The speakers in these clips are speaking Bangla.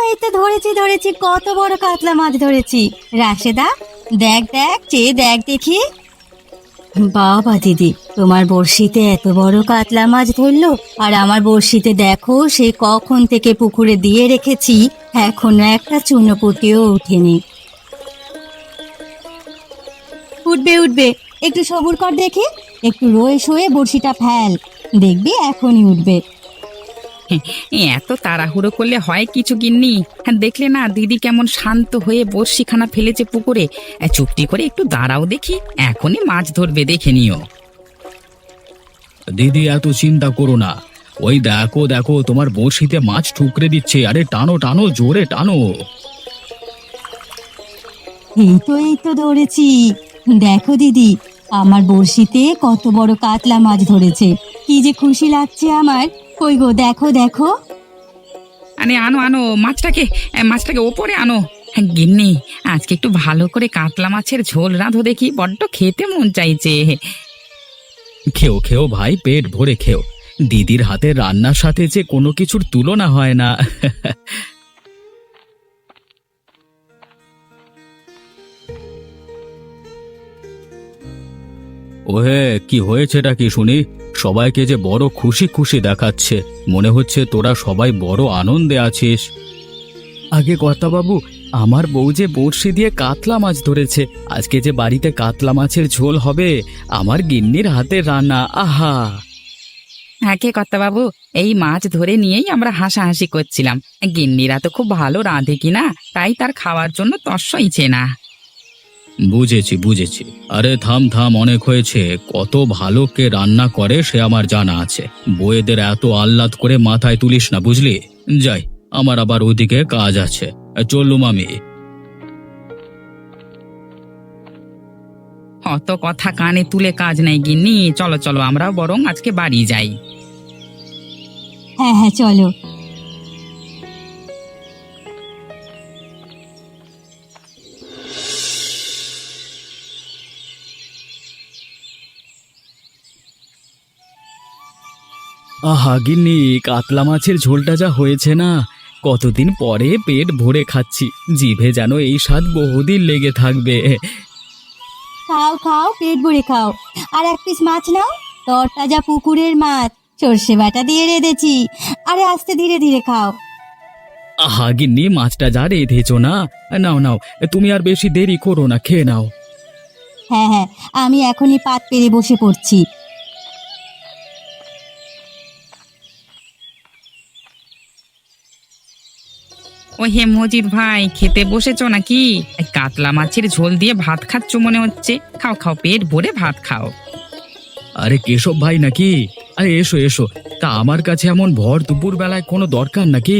এই তো ধরেছি ধরেছি, কত বড় কাতলা মাছ ধরেছি। রাশেদা, দেখ দেখ, চেয়ে দেখ দেখি। বাবা দিদি, তোমার বড়শিতে এত বড় কাতলা মাছ ধরলো, আর আমার বড়শিতে দেখো সে কখন থেকে পুকুরে দিয়ে রেখেছি, এখনো একটা চুনোপুঁটিও ওঠেনি। উঠবে উঠবে, একটু সবুর কর দেখি, একটু রয়ে শোয়ে বড়শিটা ফেল, দেখবি এখনই উঠবে। এত তাড়াহুড়ো করলে হয় কিছু গিন্নি? হ্যাঁ, দেখলে না দিদি কেমন শান্ত হয়ে বড়শিখানা ফেলেছে পুকুরে। চুপটি করে একটু দাঁড়াও দেখি, এখনই মাছ ধরবে, দেখে নিও। দিদি এত চিন্তা করো না, ওই দেখো দেখো তোমার বড়শিতে মাছ ঠুকরে দিচ্ছে, আরে টানো টানো, জোরে টানো। এই তো ধরেছি, দেখো দিদি, আমার বড়শিতে কত বড় কাতলা মাছ ধরেছে, কি যে খুশি লাগছে আমার। কই গো, দেখো দেখো। আরে আনো আনো মাছটাকে ওপরে আনো। গিন্নি, আজকে একটু ভালো করে কাতলা মাছের ঝোল রাঁধো দেখি, বড্ড খেতে মন চাইছে। খেও খেও ভাই, পেট ভরে খেও, দিদির হাতের রান্নার সাথে যে কোনো কিছুর তুলনা হয় না। ওহে, কি হয়েছেটা কি শুনি? সবাইকে যে বড় খুশি খুশি দেখাচ্ছে, মনে হচ্ছে তোরা সবাই বড় আনন্দে আছিস। আগে কর্তাবাবু, আমার বউ যে বড়শি দিয়ে কাতলা মাছ ধরেছে, আজকে যে বাড়িতে কাতলা মাছের ঝোল হবে, আমার গিন্নির হাতের রান্না, আহা। হ্যাঁ কে বাবু, এই মাছ ধরে নিয়েই আমরা হাসাহাসি করছিলাম। গিন্নিরা তো খুব ভালো রাঁধে কিনা, তাই তার খাওয়ার জন্য তর্সইছে না। বুঝেছি বুঝেছি, আরে থাম থাম, অনেক হয়েছে। কত ভালো কে রান্না করে সে আমার জানা আছে, বউয়েদের এত আহ্লাদ করে মাথায় তুলিস না, বুঝলি? যাই, আমার আবার ওদিকে কাজ আছে, চললুম আমি। অত কথা কানে তুলে কাজ নেই গিন্নি, চলো চলো আমরাও বরং আজকে বাড়ি যাই। হ্যাঁ হ্যাঁ, চলো। আহা গিন্নি, কাতলা মাছের ঝোলটা যা হয়েছে না, কতদিন পরে পেট ভরে খাচ্ছি, জিভে যেন এই স্বাদ বহুদিন লেগে থাকবে। খাও খাও, পেট ভরে খাও। আর এক পিস মাছ নাও, তরতাজা পুকুরের মাছ, সর্ষে বাটা দিয়ে রেঁধেছি। আরে আস্তে ধীরে ধীরে খাও। আহা গিন্নি, মাছটা যা রেঁধেছো না, নাও নাও, তুমি আর বেশি দেরি করো না, খেয়ে নাও। হ্যাঁ হ্যাঁ, আমি এখনই পাত পেরে বসে পড়ছি। ও হে মজিদ ভাই, খেতে বসেছো নাকি? এই কাতলা মাছের ঝোল দিয়ে ভাত খাচ্ছ মনে হচ্ছে, খাও খাও, পেট ভরে ভাত খাও। আরে কেশব ভাই নাকি? আরে এসো এসো, তা আমার কাছে এমন ভর দুপুর বেলায় কোনো দরকার নাকি?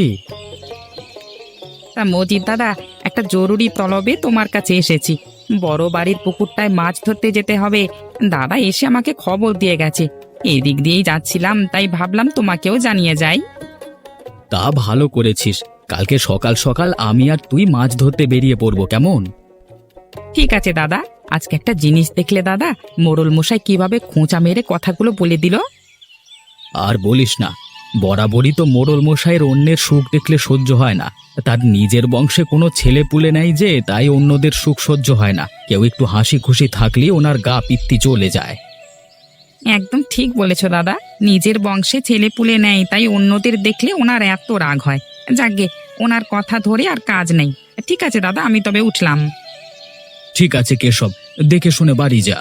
তা মজিদ দাদা, একটা জরুরি তলবে তোমার কাছে এসেছি। বড় বাড়ির পুকুরটায় মাছ ধরতে যেতে হবে, দাদা এসে আমাকে খবর দিয়ে গেছে। এদিক দিয়েই যাচ্ছিলাম, তাই ভাবলাম তোমাকেও জানিয়ে যাই। তা ভালো করেছিস, কালকে সকাল সকাল আমি আর তুই মাছ ধরতে বেরিয়ে পড়বো, কেমন? ঠিক আছে দাদা। আজকে একটা জিনিস দেখলে দাদা, মোড়ল মশাই কিভাবে খোঁচা মেরে কথাগুলো বলে দিল। আর বলিস না, বরাবরই তো মোড়ল মশাইয়ের অন্যের সুখ দেখলে সহ্য হয় না, তার নিজের বংশে কোনো ছেলে পুলে নাই যে, তাই অন্যদের সুখ সহ্য হয় না, কেউ একটু হাসি খুশি থাকলেই ওনার গা পিত্তি চলে যায়। একদম ঠিক বলেছ দাদা, নিজের বংশে ছেলে পুলে নেয়, তাই অন্যদের দেখলে ওনার এত রাগ হয়। যাকগে, ওনার কথা ধরে আর কাজ নেই। ঠিক আছে দাদা, আমি তবে উঠলাম। ঠিক আছে কেশব, দেখে শুনে বাড়ি যা।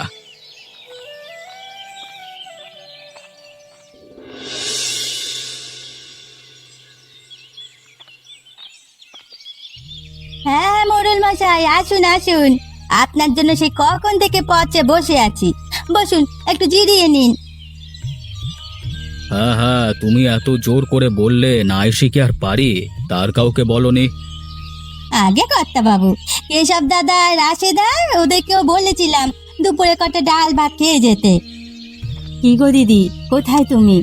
হ্যাঁ হ্যাঁ, মোড়ল মশাই, আসুন আসুন, আপনার জন্য সেই কখন থেকে পথে বসে আছি। বসুন, একটু জিরিয়ে নিন। হ্যাঁ হ্যাঁ, তুমি এত জোর করে বললে না এসে কি আর পারি? তার কাউকে বলনি? আগে কর্তা বাবু, কেশব দাদা, রাশেদা, ওদেরকেও বলেছিলাম দুপুরে কটা ডাল ভাত খেয়ে যেতে। কি গো দিদি, কোথায় তুমি?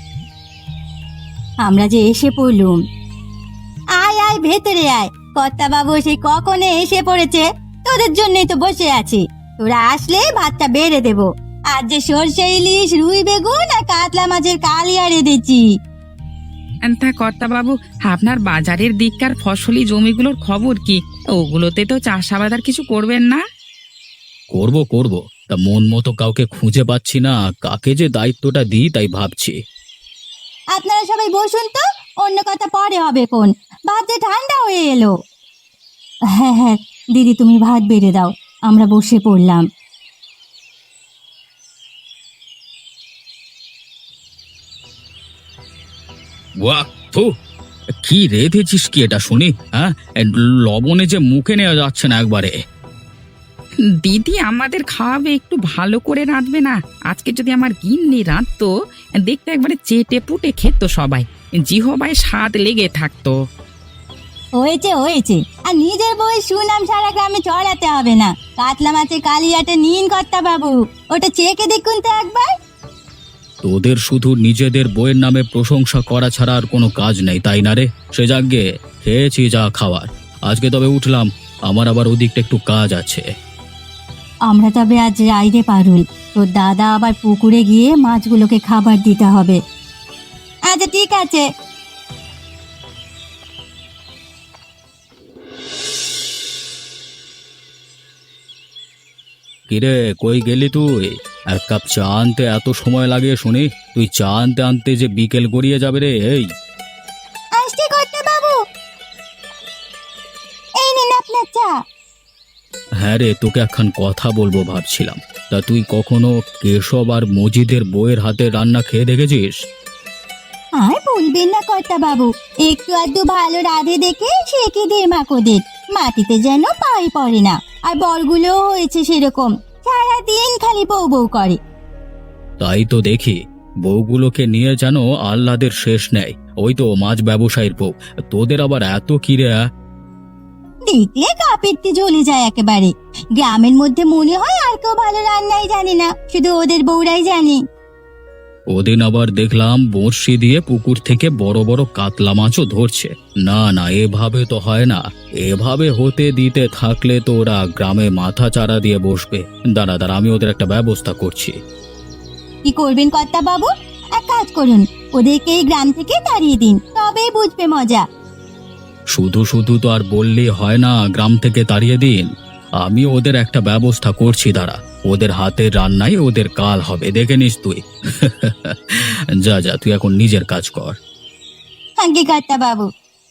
আমরা যে এসে পড়লুম। আয় আয়, ভেতরে আয়, কর্তা বাবু সেই কখনে এসে পড়েছে, তোদের জন্যই তো বসে আছি। তোরা আসলে ভাতটা বেড়ে দেবো। আজ যে সর্ষে ইলিশ, রুই বেগুন আর কাতলা মাছের কালিয়া রেঁধেছি। তা কর্তাবাবু, আপনার বাজারের দিককার ফসলি জমিগুলোর খবর কি? ওগুলোতে তো চাষাবাদ আর কিছু করবেন না? করব করব, তা মন মতো কাউকে খুঁজে পাচ্ছি না, কাকে যে দায়িত্বটা দিই তাই ভাবছি। আপনারা সবাই বসুন তো, অন্য কথা পরে হবে কোন। ভাত যে ঠান্ডা হয়ে এলো। হ্যাঁ হ্যাঁ দিদি, তুমি ভাত বেড়ে দাও, আমরা বসে পড়লাম। বাহ, থু, কি রেঁধেছিস কি এটা শুনি? হ্যাঁ, লবণে যে মুখে নেওয়া যাচ্ছে না একবারে। দিদি আমাদের খাওয়াবে, একটু ভালো করে রাঁধবে না? আজকে যদি আমার গিন্নি রাঁধতো, দেখতে একবারে চেটে পুটে খেত সবাই, জিহবায় স্বাদ লেগে থাকতো। হয়েছে হয়েছে, আর নিজের বউয়ের সুনাম সারা গ্রামে চড়াতে হবে না। কাতলা মাছের কালিয়াটা নিন কর্তা বাবু, ওটা চেখে দেখুন তো একবার। তোদের শুধু নিজেদের বইয়ের নামে প্রশংসা করা ছাড়া আর কোনো কাজ নেই, তাই না রে? সে যাগ্গে খেয়েছি যা খাওয়ার। আজকে তবে উঠলাম, আমার আবার ওদিকটা একটু কাজ আছে। আমরা তবে আজ রাইডে পারুল, তোর দাদা আবার পুকুরে গিয়ে মাছগুলোকে খাবার দিতে হবে। আচ্ছা ঠিক আছে। কিরে, কই গেলি তুই? এক কাপ চা আনতে এত সময় লাগে শুনি? তুই চা আনতে আনতে যে বিকেল গড়িয়ে যাবে রে। এই আসছি কর্তা বাবু, এই নিন আপনার চা। হ্যাঁ রে, তোকে একখান কথা বলবো ভাবছিলাম। তা তুই কখনো কেশব আর মজিদের বইয়ের হাতে রান্না খেয়ে দেখেছিস? আর বলবেন না কর্তা বাবু, একটু আধটু ভালো রাধে দেখে শেখে দে মাকোদের, মাটিতে যেন পায়ে পড়ে না। আর বরগুলোও হয়েছে সেরকম, সারাদিন খালি বউ বউ করে। তাই তো দেখি, বউগুলোকে নিয়ে যেন আহ্লাদের শেষ নেই। ওই তো মাছ ব্যবসায়ীর বউ, তোদের আবার এত কিরে? দেখলে কাপেরটি জ্বলে যায় একেবারে। গ্রামের মধ্যে মনে হয় আর কেউ ভালো রান্নাই জানে না, শুধু ওদের বউরাই জানে। ওদিন আবার দেখলাম বড়শি দিয়ে পুকুর থেকে বড় বড় কাতলা মাছও ধরছে। না না, এভাবে তো হয় না। এভাবে হতে দিতে থাকলে তো ওরা গ্রামে মাথা চারা দিয়ে বসবে। দাঁড়া দাঁড়া, আমি ওদের একটা ব্যবস্থা করছি। কি করবেন কর্তা বাবু? এক কাজ করুন, ওদেরকে এই গ্রাম থেকে তাড়িয়ে দিন, তবেই বুঝবে মজা। শুধু শুধু তো আর বললেই হয় না গ্রাম থেকে তাড়িয়ে দিন। আমি ওদের একটা ব্যবস্থা করছি, দাঁড়া। ওদের হাতের রান্নাই ওদের কাল হবে, দেখে নিস তুই। যা যা, তুই এখন নিজের কাজ কর। আগে কর্তা বাবু।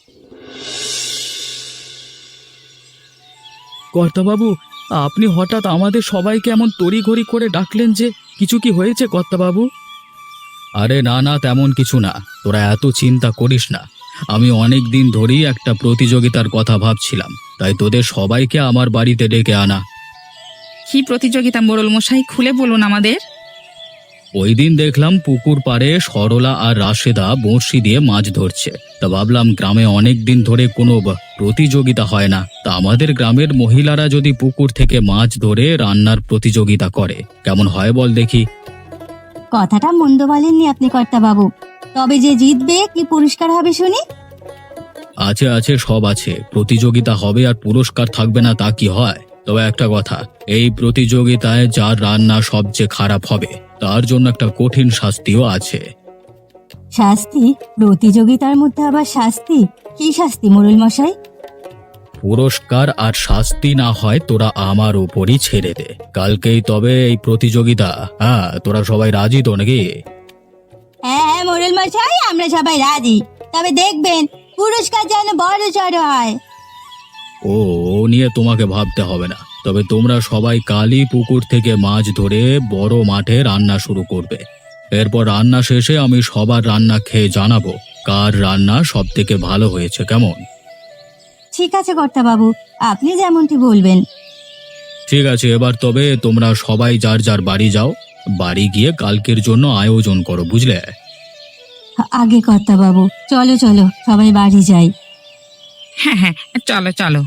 কর্তাবাবু, আপনি হঠাৎ আমাদের সবাইকে এমন তড়িঘড়ি করে ডাকলেন যে? কিছু কি হয়েছে কর্তাবাবু? আরে না না, তেমন কিছু না, তোরা এত চিন্তা করিস না। আমি অনেক দিন ধরেই একটা প্রতিযোগিতার কথা ভাবছিলাম, তাই তোদের সবাইকে আমার বাড়িতে ডেকে আনা। কি প্রতিযোগিতা মোড়ল মশাই, খুলে বলুন আমাদের। ওই দিন দেখলাম পুকুর পাড়ে সরলা আর রাশেদা বড়শি দিয়ে মাছ ধরছে। তা ভাবলাম গ্রামে অনেক দিন ধরে কোনো প্রতিযোগিতা হয় না, তা আমাদের গ্রামের মহিলারা যদি পুকুর থেকে মাছ ধরে রান্নার প্রতিযোগিতা করে কেমন হয় বল দেখি। কথাটা মন্দ বলেননি আপনি কর্তা বাবু, তবে যে জিতবে কি পুরস্কার হবে শুনি? আছে আছে, সব আছে। প্রতিযোগিতা হবে আর পুরস্কার থাকবে না তা কি হয়? তবে একটা কথা, এই প্রতিযোগিতায় যার রান্না সবচেয়ে খারাপ হবে তার জন্য একটা কঠিন শাস্তিও আছে। শাস্তি? প্রতিযোগিতার মধ্যে আবার শাস্তি? কি শাস্তি মোড়ল মশাই? পুরস্কার আর শাস্তি না হয় তোরা আমার উপরই ছেড়ে দে। কালকেই তবে এই প্রতিযোগিতা। হ্যাঁ, তোরা সবাই রাজি তো নাকি? হ্যাঁ হ্যাঁ মোড়ল মশাই, আমরা সবাই রাজি, তবে দেখবেন পুরস্কার যেন বড় সড় হয়। ও ও নিয়ে তোমাকে ভাবতে হবে না। তবে তোমরা সবাই কালই পুকুর থেকে মাছ ধরে বড় মাঠে রান্না শুরু করবে। এরপর রান্না শেষে আমি সবার রান্না খেয়ে জানাবো কার রান্না সব থেকে ভালো হয়েছে। কেমন? ঠিক আছে কর্তা বাবু, আপনি যেমনটি বলবেন। ঠিক আছে, এবার তবে তোমরা সবাই যার যার বাড়ি যাও। বাড়ি গিয়ে কালকের জন্য আয়োজন করো, বুঝলে? আগে কর্তা বাবু, চলো চলো সবাই বাড়ি যাই। হ্যাঁ হ্যাঁ, চলো চলো।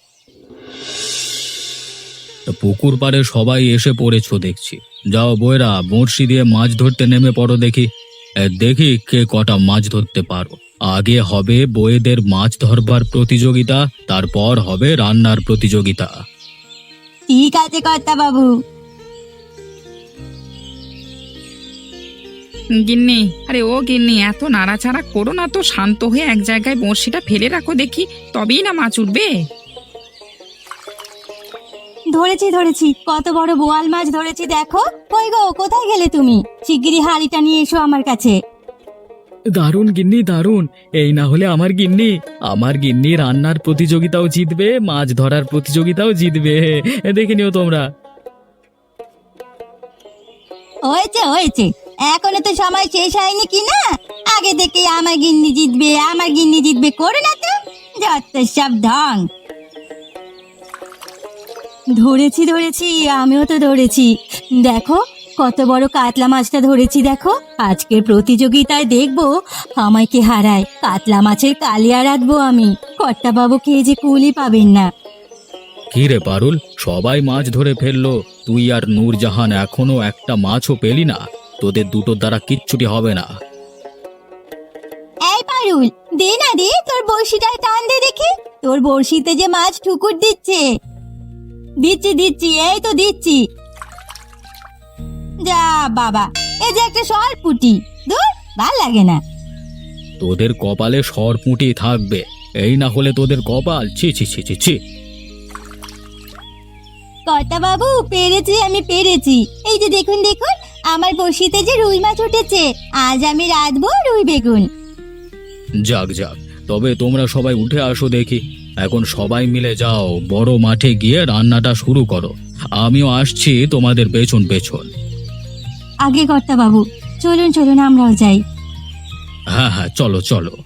তা পুকুর পাড়ে সবাই এসে পড়েছো দেখছি। যাও বইরা, বড়শি দিয়ে মাছ ধরতে নেমে পড়ো দেখি। দেখি কে কটা মাছ ধরতে পারো। আগে হবে বইয়েদের মাছ ধরবার প্রতিযোগিতা, তারপর হবে রান্নার প্রতিযোগিতা। ঠিক আছে কর্তা বাবু। গিন্নি, আরে ও গিন্নি, এত নাড়াচাড়া করো না তো, শান্ত হয়ে এক জায়গায় বড়শিটা ফেলে রাখো দেখি, তবেই না মাছ উঠবে। ধরেছি ধরেছি, কত বড় বোয়াল মাছ ধরেছি দেখো। কই গো, কোথায় গেলে তুমি? শিগগিরই হাঁড়িটা নিয়ে এসো আমার কাছে। দারুণ গিন্নি দারুণ, এই না হলে আমার গিন্নি রান্নার প্রতিযোগিতাও জিতবে, মাছ ধরার প্রতিযোগিতাও জিতবে। দেখে নিও তোমরা। হয়েছে হয়েছে, এখনো তো সময় শেষ হয়নি কি না? আগে থেকে আমার গিন্নি জিতবে, আমার গিন্নি জিতবে করো না তো, যত সব ঢং। ধরেছি ধরেছি, আমিও তো ধরেছি। দেখো কত বড় কাতলা মাছটা ধরেছি দেখো। আজকের প্রতিযোগিতায় দেখবো আমায় কে হারায়। কাতলা মাছের কালিয়া রাঁধবো আমি, কর্তাবাবু খেয়ে যে কুলি পাবেন না। কি রে পারুল, সবাই মাছ ধরে ফেললো, তুই আর নূরজাহান এখনো একটা মাছও পেলি না। তোদের দুটোর দ্বারা কিচ্ছুটি হবে না। এই পারুল, দে না দে, তোর বড়শিটায় টান দে দেখি। তোর বড়শিতে যে মাছ ঠুকুর দিচ্ছে। দিচ্ছি দিচ্ছি, এই তো দিচ্ছি। যা বাবা, এই যে একটা সরপুটি, দূর ভাল লাগে না। তোদের কপালে সরপুঁটি থাকবে, এই না হলে তোদের কপাল, ছি ছি ছি ছি ছি। কর্তাবাবু পেরেছি, আমি পেরেছি। এই যে দেখুন দেখুন, আমার বড়শিতে যে রুই মাছ উঠেছে। আজ আমি রাঁধবো রুই বেগুন। যাক যাক, তবে তোমরা সবাই উঠে আসো দেখি। এখন সবাই মিলে যাও, বড় মাঠে গিয়ে রান্নাটা শুরু করো। আমিও আসছি তোমাদের পেছন পেছন। আগে কর্তাবাবু, চলুন চলুন আমরাও যাই। হ্যাঁ হ্যাঁ, চলো চলো।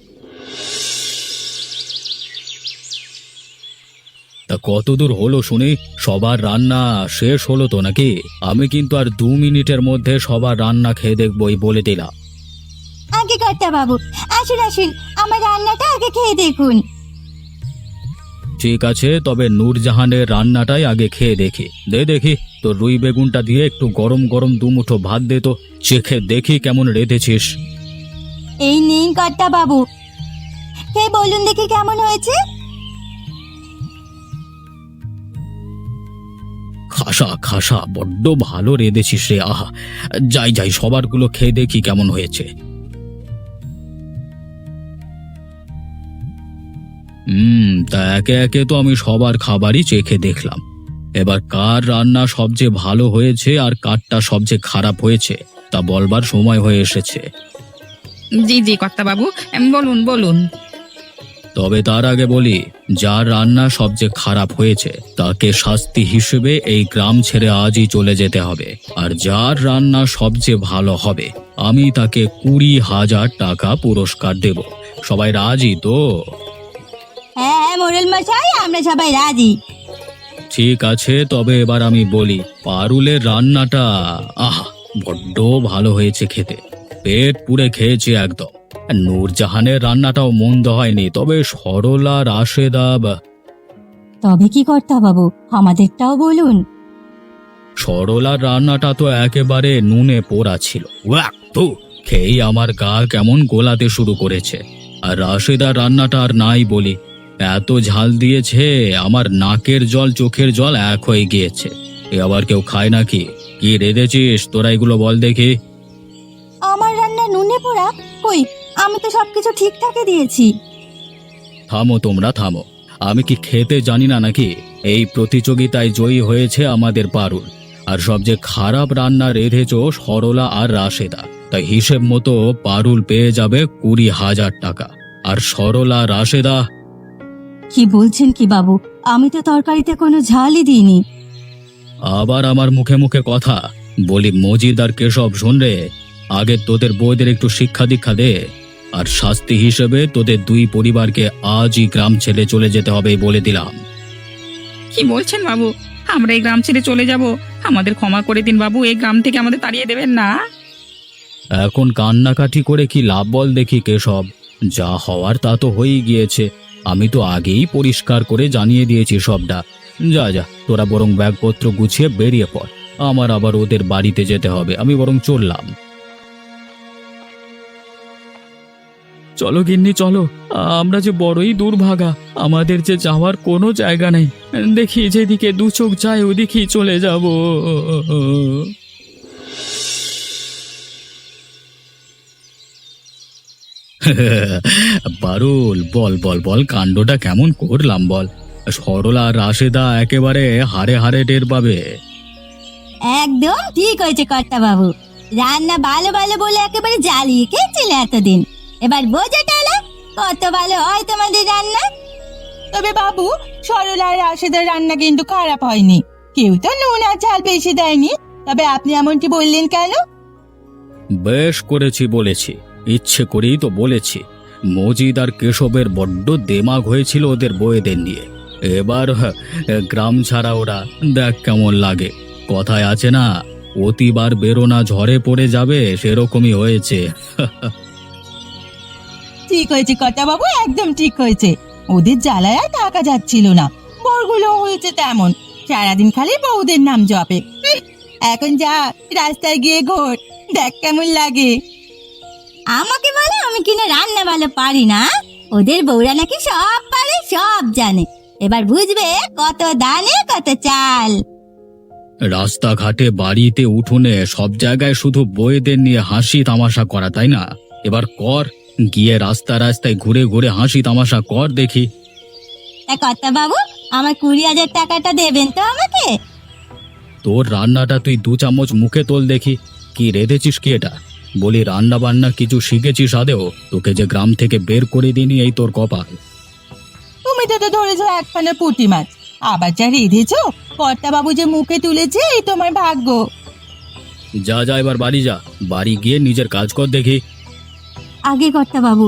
তা কত দূর হলো শুনি? সবার রান্না শেষ হলো তো নাকি? আমি কিন্তু আর 2 মিনিটের মধ্যে সবার রান্না খেয়ে দেখবই, বলে দিলাম। আগে কর্তাবাবু, আসুন আসুন, আমার রান্নাটা আগে খেয়ে দেখুন। ঠিক আছে, তবে নূরজাহানের রান্নাটাই আগে খেয়ে দেখি। দে দেখি, তো রুই বেগুনটা দিয়ে একটু গরম গরম 2 মুঠো ভাত দে তো, চেখে দেখি কেমন রেঁধেছিস। এই নিন কর্তাবাবু, খেয়ে বলুন দেখি কেমন হয়েছে। খাসা খাসা, বড্ড ভালো রেঁধেছিস রে, আহা। যাই যাই, সবারগুলো খেয়ে দেখি কেমন হয়েছে। তা একে একে তো আমি সবার খাবারই চেখে দেখলাম। এবার কার রান্না সবচেয়ে ভালো হয়েছে আর কারটা সবচেয়ে খারাপ হয়েছে তা বলবার সময় হয়ে এসেছে। জি জি কর্তাবাবু, বলুন বলুন। তবে তার আগে বলি, যার রান্না সবচেয়ে খারাপ হয়েছে তাকে শাস্তি হিসেবে এই গ্রাম ছেড়ে আজই চলে যেতে হবে। আর যার রান্না সবচেয়ে ভালো হবে আমি তাকে 20,000 টাকা পুরস্কার দেব। সবাই রাজি তো? হ্যাঁ হ্যাঁ মোড়ল মশাই, আমরা সবাই রাজি। ঠিক আছে, তবে এবার আমি বলি, পারুলের রান্নাটা আহা বড্ড ভালো হয়েছে খেতে, পেট পুড়ে খেয়েছে একদম। আর নূরজাহানের রান্নাটাও মন্দ হয়নি, তবে সরলা রাশেদা তবে কি কর্তাবাবু, আমাদেরটাও বলুন। সরলার রান্নাটা তো একেবারে নুনে পোড়া ছিল, ওয়াক তো, খেয়েই আমার গা কেমন গোলাতে শুরু করেছে। আর রাশেদার রান্নাটা আর নাই বলি, এত ঝাল দিয়েছে আমার নাকের জল চোখের জল এক হয়ে গিয়েছে। এ আবার কেউ খায় নাকি? কি রেঁধেছিস তোরা, এগুলো বল দেখি। আমার রান্না নুনে পোড়া? কই, আমি তো সবকিছু ঠিকঠাকই দিয়েছি। থামো তোমরা থামো, আমি কি খেতে জানি না নাকি? এই প্রতিযোগিতায় জয়ী হয়েছে আমাদের পারুল, আর সবচেয়ে খারাপ রান্না রেঁধেছ সরলা আর রাশেদা। তাই হিসেব মতো পারুল পেয়ে যাবে 20,000 টাকা, আর সরলা রাশেদা। কি বলছেন কি বাবু, আমি তো তরকারিতে কোনো ঝালই দিইনি। আবার আমার মুখে মুখে কথা বলি, মজিদ আর কেশব শোন রে, আগে তোদের বউদের একটু শিক্ষা দীক্ষা দে। আর শাস্তি হিসেবে তোদের 2 পরিবারকে আজই গ্রাম ছেড়ে চলে যেতে হবে বলে দিলাম। কি বলছেন বাবু, আমরা এই গ্রাম ছেড়ে চলে যাব? আমাদের ক্ষমা করে দিন বাবু, এই গ্রাম থেকে আমাদের তাড়িয়ে দেবেন না। এখন কান্নাকাটি করে কি লাভ বল দেখি কেশব? যা হওয়ার তা তো হয়েই গিয়েছে, আমি তো আগেই পরিষ্কার করে জানিয়ে দিয়েছি সবটা। যা যা, তোরা বরং ব্যাগপত্র গুছিয়ে বেরিয়ে পড়, আমার আবার ওদের বাড়িতে যেতে হবে। আমি বরং চললাম। চলো গিন্নি চলো, আমরা যে বড়ই দুর্ভাগা, আমাদের যে যাওয়ার কোনো জায়গা নেই। দেখি যেদিকে 2 চোখ যায় ওদিকেই চলে যাব। পারুল, বল বল বল, কাণ্ডটা কেমন করলাম বল। সরলা আর রাশেদা একেবারে হারে হারে টের পাবে। একদম ঠিক হয়েছে কর্তা বাবু, রান্না ভালো ভালো বলে একেবারে জ্বালিয়ে খেয়েছিলে এতদিন, এবার বোঝা গেল কত ভালো হয় তোমাদের রান্না। তবে বাবু, সরলা আর রাশেদার রান্না কিন্তু খারাপ হয়নি। কেউ তো নুন আর ঝাল বেশি দেয়নি। তবে আপনি এমনটি বললেন কেন? বেশ করেছি বলেছি, ইচ্ছে করেই তো বলেছি। মজিদ আর কেশবের বড্ড দেমাগ হয়েছিল ওদের বউয়েদের নিয়ে। এবার গ্রাম ছাড়া ওরা, দেখ কেমন লাগে। কথায় আছে না, অতিবার বেরোনা ঝড়ে পড়ে যাবে, সেরকমই হয়েছে। ঠিক হয়েছে কর্তা বাবু, একদম ঠিক হয়েছে। ওদের জ্বালায় আর থাকা যাচ্ছিল না। বরগুলো হয়েছে তেমন, সারাদিন খালি বউদের নাম জপে। এখন যা, রাস্তায় গিয়ে ঘোর, দেখ কেমন লাগে। আমাকে বলে আমি কিনা রান্না ভালো পারি না? ওদের বউরা নাকি সব পারে, সব জানে। এবার বুঝবে কত দানে কত চাল। রাস্তাঘাটে, বাড়িতে, উঠোনে, সব জায়গায় শুধু বউয়েদের নিয়ে হাসি তামাশা করা, তাই না? এবার কর, গিয়ে রাস্তা রাস্তায় ঘুরে ঘুরে হাসি তামাশা কর দেখি। তা কর্তা বাবু, আমার 20,000 টাকাটা দেবেন তো আমাকে? তোর রান্নাটা তুই 2 চামচ মুখে তোল দেখি। কি রেঁধেছিস কি এটা? বলি, রান্না বান্না কিছু শিখেছিস আদেও? তোকে যে গ্রাম থেকে বের করে দিনি, এই তোর কপাল। তুমি তো ধরেছো একখানা পুঁটি মাছ, আবার যা রেঁধেছো কর্তা বাবু যে মুখে তুলেছে, এই তোমার ভাগ্য। যা যা, এবার বাড়ি যা, বাড়ি গিয়ে নিজের কাজ কর দেখি। আগে কর্তা বাবু।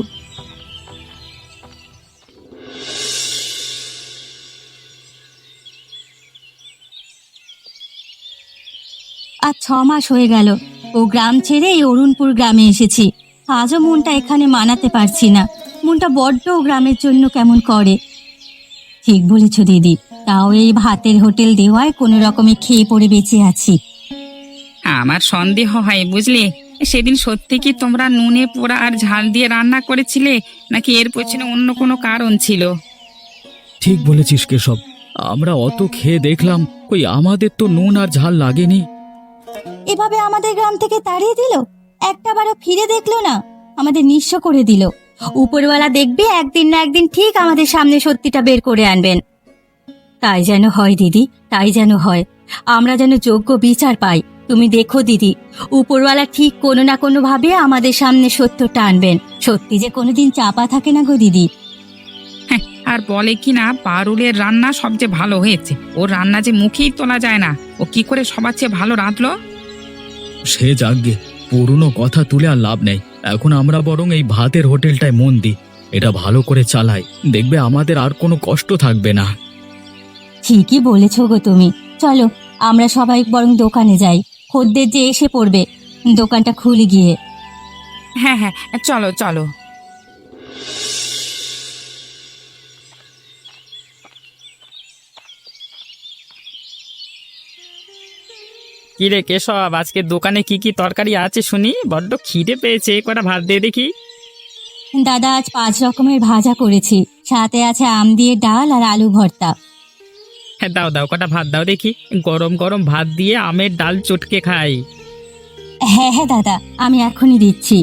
আজ 6 মাস হয়ে গেল ও গ্রাম ছেড়ে এই অরুণপুর গ্রামে এসেছি। আজও মনটা এখানে মানাতে পারছি না। মনটা বড্ড ও গ্রামের জন্য কেমন করে। ঠিক বলেছ দিদি, তাও এই ভাতের হোটেল দেওয়ায় কোনো রকমে খেয়ে পড়ে বেঁচে আছি। আমার সন্দেহ হয় বুঝলি, সেদিন সত্যি কি তোমরা নুনে পোড়া আর ঝাল দিয়ে রান্না করেছিলে, নাকি এর পেছনে অন্য কোনো কারণ ছিল? ঠিক বলেছিস কেশব, আমরা অত খেয়ে দেখলাম, কই আমাদের তো নুন আর ঝাল লাগেনি। এভাবে আমাদের গ্রাম থেকে তাড়িয়ে দিল, একটাবারও ফিরে দেখলো না, আমাদের নিঃস্ব করে দিল। উপরওয়ালা দেখবে একদিন না একদিন ঠিক আমাদের সামনে সত্যিটা বের করে আনবেন। তাই যেন হয় দিদি, তাই যেন হয়। আমরা যেন যোগ্য বিচার পাই। তুমি দেখো দিদি, উপরওয়ালা ঠিক কোনো না কোনো ভাবে আমাদের সামনে সত্যটা আনবেন। সত্যি যে কোনোদিন চাপা থাকে না গো দিদি। হ্যাঁ, আর বলে কি না পারুলের রান্না সবচেয়ে ভালো হয়েছে। ওর রান্না যে মুখেই তোলা যায় না। ও কি করে সবার চেয়ে ভালো রাঁধলো? সে যাগ্গে, পুরনো কথা তুলে আর লাভ নেই। এখন আমরা বরং এই ভাতের হোটেলটায় মন দিই, এটা ভালো করে চালাই, দেখবে আমাদের আর কোনো কষ্ট থাকবে না। ঠিকই বলেছ গো তুমি। চলো আমরা সবাই বরং দোকানে যাই, খদ্দের যে এসে পড়বে, দোকানটা খুলে গিয়ে। হ্যাঁ হ্যাঁ, চলো চলো। কি রে কেশব, আজকে দোকানে কি কি তরকারি আছে শুনি? বড্ড খিদে পেয়েছে, কটা ভাত দিয়ে দেখি। দাদা আজ 5 রকমের ভাজা করেছি, সাথে আছে আম দিয়ে ডাল আর আলু ভর্তা। হ্যাঁ দাও দাও, কটা ভাত দাও দেখি। গরম গরম ভাত দিয়ে আমের ডাল চটকে খাই। হ্যাঁ হ্যাঁ দাদা, আমি এখনই দিচ্ছি।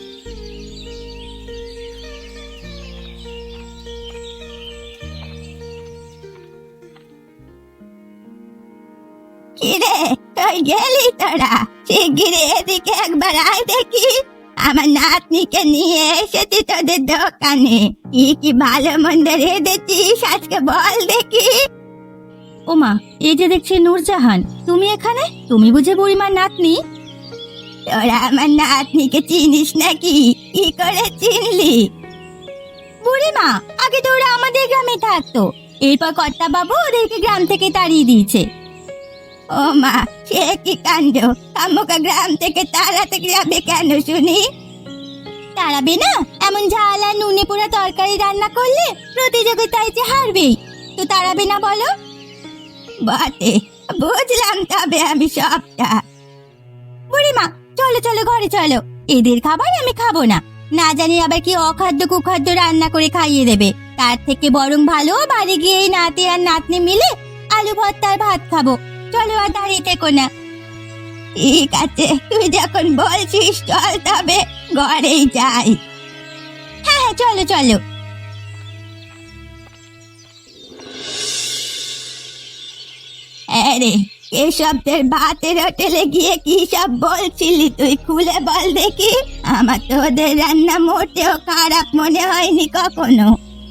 কিরে, কই গেলি তোরা? শিগগিরি এদিকে একবার আয় দেখি। আমার নাতনিকে নিয়ে এসেছি তোদের দোকানে। কি কি ভালো মন্দ রেঁধেছিস আজকে বল দেখি। ওমা, এই যে দেখছি নূরজাহান, তুমি এখানে? তুমি বুঝে বুড়িমার নাতনি? তোরা আমার নাতনিকে চিনিস নাকি? কি করে চিনলি? বুড়িমা, আগে তো ওরা আমাদের গ্রামে থাকতো, এরপর কর্তা বাবু ওদেরকে গ্রাম থেকে তাড়িয়ে দিয়েছে। ও মা, সে কি কাণ্ড! কামুকা গ্রাম থেকে তাড়াতে যাবে কেন শুনি? তাড়াবে না? এমন ঝাল আর নুনে পোড়া তরকারি রান্না করলে প্রতিযোগিতায় যে হারবেই, তো তাড়াবে না বলো? বটে, বুঝলাম তবে আমি সবটা। বুড়িমা, চলো চলো ঘরে চলো, এদের খাবার আমি খাবো না। না জানি আবার কি অখাদ্য কুখাদ্য রান্না করে খাইয়ে দেবে। তার থেকে বরং ভালো বাড়ি গিয়ে এই নাতি আর নাতনি মিলে আলু ভর্তার ভাত খাবো। চলো আর দাঁড়িয়ে থেকো না। ঠিক আছে, তুই যখন বলছিস চল তবে ঘরেই যাই। চলো চলো। আরে কেশবদের ভাতের হোটেলে গিয়ে কি সব বলছিলি তুই, খুলে বল দেখি। আমার তো ওদের রান্না মোটেও খারাপ মনে হয়নি কখনো।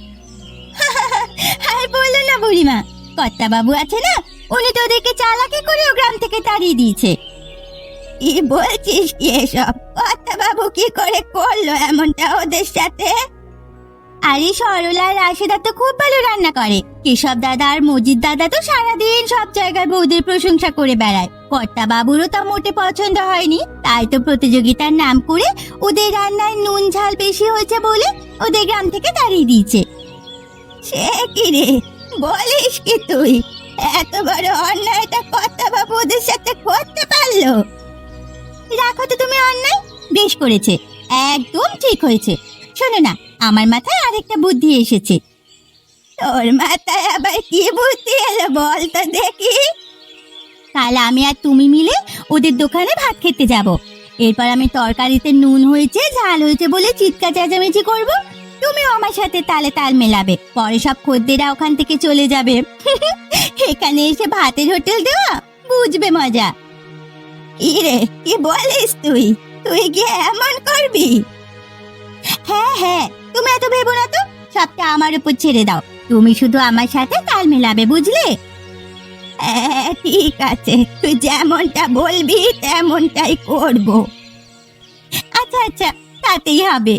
আর বলো না বুড়িমা, কর্তা বাবু আছে না, উনি তো ওদেরকে চালাকি করে ও গ্রাম থেকে তাড়িয়ে দিয়েছে। কি বলছিস কি এসব? কর্তা বাবু কি করে করলো এমনটা ওদের সাথে? আরে সরলা আর রাশেদা তো খুব ভালো রান্না করে। কেশব দাদা আর মজিদ দাদা তো সারাদিন সব জায়গায় বৌদের প্রশংসা করে বেড়ায়। কর্তা বাবুরও তা মোটে পছন্দ হয়নি, তাই তো প্রতিযোগিতার নাম করে ওদের রান্নায় নুন ঝাল বেশি হয়েছে বলে ওদের গ্রাম থেকে তাড়িয়ে দিয়েছে। সে কি রে, বলিস কি তুই? এত বড় অন্যায়টা কর্তা বাবু ওদের সাথে করতে পারলো? রাখো তো তুমি অন্যায়, বেশ করেছে, একদম ঠিক হয়েছে। শোনো না, আমার মাথায় আরেকটা বুদ্ধি এসেছে। তোর মাথায় আবার কি বুদ্ধি এলো বল তো দেখি। কাল আমি আর তুমি মিলে ওদের দোকানে ভাত খেতে যাব। এরপর আমি তরকারিতে নুন হয়েছে ঝাল হয়েছে বলে চিৎকার চেঁচামেচি করব, তুমিও আমার সাথে তালে তাল মেলাবে। পরে সব খদ্দেরা ওখান থেকে চলে যাবে। এখানে এসে ভাতের হোটেল দেওয়া, বুঝবে মজা। ইরে কি বলিস তুই? তুই গিয়ে এমন করবি? হ্যাঁ হ্যাঁ, তুমি এত ভেবো না তো, সবটা আমার উপর ছেড়ে দাও। তুমি শুধু আমার সাথে তাল মেলাবে, বুঝলে? হ্যাঁ ঠিক আছে, তুই যেমনটা বলবি তেমনটাই করব। আচ্ছা আচ্ছা, তাতেই হবে।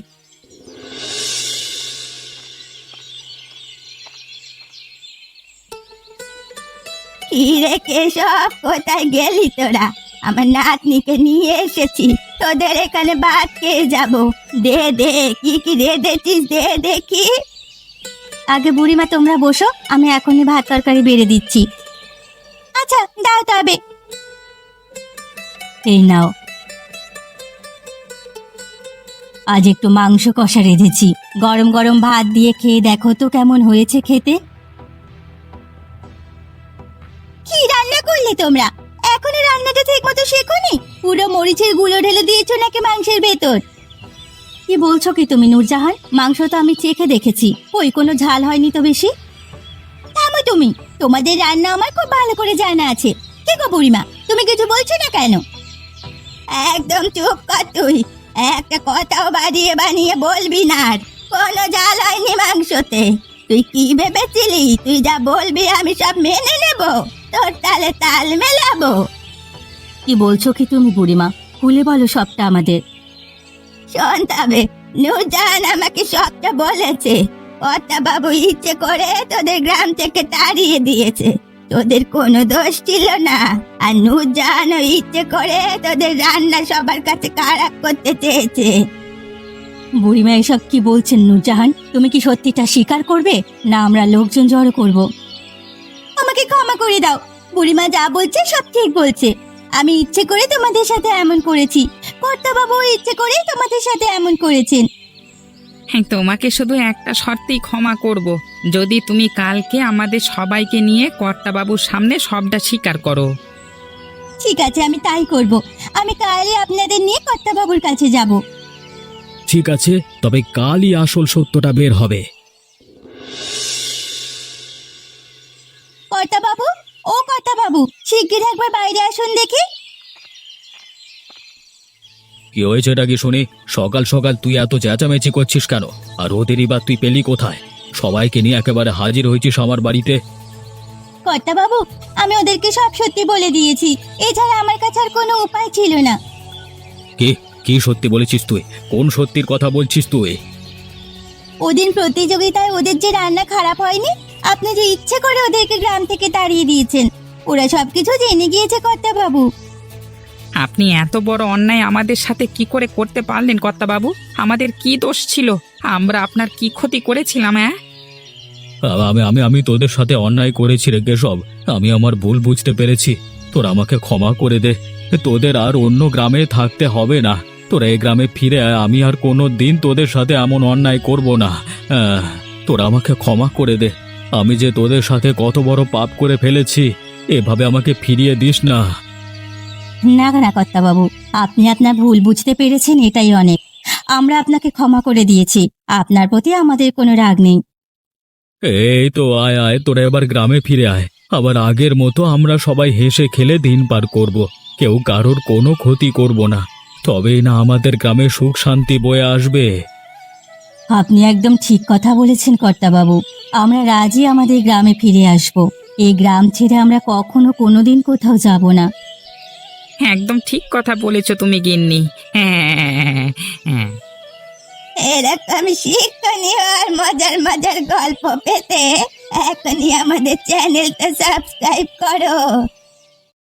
কি রে কেশব, কোথায় গেলি তোরা? আমার নাতনিকে নিয়ে এসেছি, তোদের এখানে ভাত খেয়ে যাব। দে দে, কি কি রেঁধেছিস দে দেখি। আগে বুড়িমা তোমরা বসো, আমি এখনই ভাত তরকারি বেড়ে দিচ্ছি। আচ্ছা দাও তবে। এই নাও, আজ একটু মাংস কষা রেঁধেছি, গরম গরম ভাত দিয়ে খেয়ে দেখো তো কেমন হয়েছে খেতে। কি রান্না করলে তোমরা? এখনো রান্নাটা ঠিক মতো শেখোনি? পুরো মরিচের গুঁড়ো ঢেলে দিয়েছো নাকি মাংসের ভেতর? কি বলছো কি তুমি নূরজাহান? মাংস তো আমি চেখে দেখেছি, ওই কোনো ঝাল হয়নি তো বেশি। থামো তুমি, তোমাদের রান্না আমার খুব ভালো করে জানা আছে। কে গো বুড়িমা, তুমি কিছু বলছো না কেন? একদম চুপ কর তুই, একটা কথাও বাড়িয়ে বানিয়ে বলবি না। আর কোনো ঝাল হয়নি মাংসতে। তুই কি ভেবেছিলি তুই যা বলবি আমি সব মেনে নেব, তোর তালে তাল মেলাবো? কি বলছো কি তুমি বুড়িমা, খুলে বলো সবটা আমাদের। শোন তবে, নূরজাহান আমাকে সবটা বলেছে। কর্তা বাবু ইচ্ছে করে তোদের গ্রাম থেকে তাড়িয়ে দিয়েছে, তোদের কোনো দোষ ছিল না। আর নূরজাহানও ইচ্ছে করে তোদের রান্না সবার কাছে খারাপ করতে চেয়েছে। বুড়িমা এসব কি বলছেন নূরজাহান? তুমি কি সত্যিটা স্বীকার করবে, না আমরা লোকজন জড়ো করব? আমাকে ক্ষমা করে দাও, বুড়িমা যা বলছে সব ঠিক বলছে। আমি ইচ্ছে করে তোমাদের সাথে এমন করেছি, কর্তা বাবু ইচ্ছে করে তোমাদের সাথে এমন করেছেন। হ্যাঁ, তোমাকে শুধু একটা শর্তেই ক্ষমা করব, যদি তুমি কালকে আমাদের সবাইকে নিয়ে কর্তাবাবুর সামনে সবটা স্বীকার করো। ঠিক আছে, আমি তাই করব। আমি কালই আপনাদের নিয়ে কর্তা বাবুর কাছে যাব। ঠিক আছে, তবে কালই আসল সত্যটা বের হবে। কর্তা বাবু, ও কর্তা বাবু, শিগগির একবার বাইরে আসুন দেখি। কি হয়েছে এটা কি শুনি? সকাল সকাল তুই এত চেঁচামেচি করছিস কেন? আর ওদেরই বা তুই পেলি কোথায়? সবাইকে নিয়ে একেবারে হাজির হয়েছিস আমার বাড়িতে। কর্তা বাবু, আমি ওদেরকে সব সত্যি বলে দিয়েছি, এছাড়া আমার কাছে আর কোনো উপায় ছিল না। কি কি সত্যি বলেছিস তুই? কোন সত্যির কথা বলছিস তুই? ওদিন প্রতিযোগিতায় ওদের যে রান্না খারাপ হয়নি, আপনি যে ইচ্ছে করে ওদেরকে গ্রাম থেকে তাড়িয়ে দিয়েছেন, ওরা সবকিছু জেনে গিয়েছে কর্তা বাবু। আপনি এত বড় অন্যায় আমাদের সাথে কি করে করতে পারলেন কর্তাবাবু? আমাদের কি দোষ ছিল? আমরা আপনার কি ক্ষতি করেছিলাম? হ্যাঁ, আমি আমি আমি তোদের সাথে অন্যায় করেছি রে কেশব, আমি আমার ভুল বুঝতে পেরেছি। তোরা আমাকে ক্ষমা করে দে, তোদের আর অন্য গ্রামে থাকতে হবে না। তোরা এই গ্রামে ফিরে আয়, আমি আর কোনো দিন তোদের সাথে এমন অন্যায় করব না। তোরা আমাকে ক্ষমা করে দে, আমি যে তোদের সাথে কত বড় পাপ করে ফেলেছি, এভাবে আমাকে ফিরিয়ে দিস না। না না কর্তা বাবু, আপনি আপনার ভুল বুঝতে পেরেছেন, এটাই অনেক। আমরা আপনাকে ক্ষমা করে দিয়েছি। আপনার প্রতি আমাদের কোনো রাগ নেই। এই তো আয় আয়, তোরা এবার গ্রামে ফিরে আয়। আবার আগের মতো আমরা সবাই হেসে খেলে দিন পার করব। কেউ কারোর কোনো ক্ষতি করব না। তবেই না আমাদের গ্রামে সুখ শান্তি বয়ে আসবে। আপনি একদম ঠিক কথা বলেছেন কর্তাবাবু। আমরা রাজি আমাদের গ্রামে ফিরে আসব। এই গ্রাম ছেড়ে আমরা কখনো কোনোদিন কোথাও যাব না। হ্যাঁ, একদম ঠিক কথা বলেছো তুমি গিন্নি। হ্যাঁ হ্যাঁ। এরকম শিক্ষণীয় আর মজার মজার গল্প পেতে এখনই আমাদের চ্যানেলটা সাবস্ক্রাইব করো।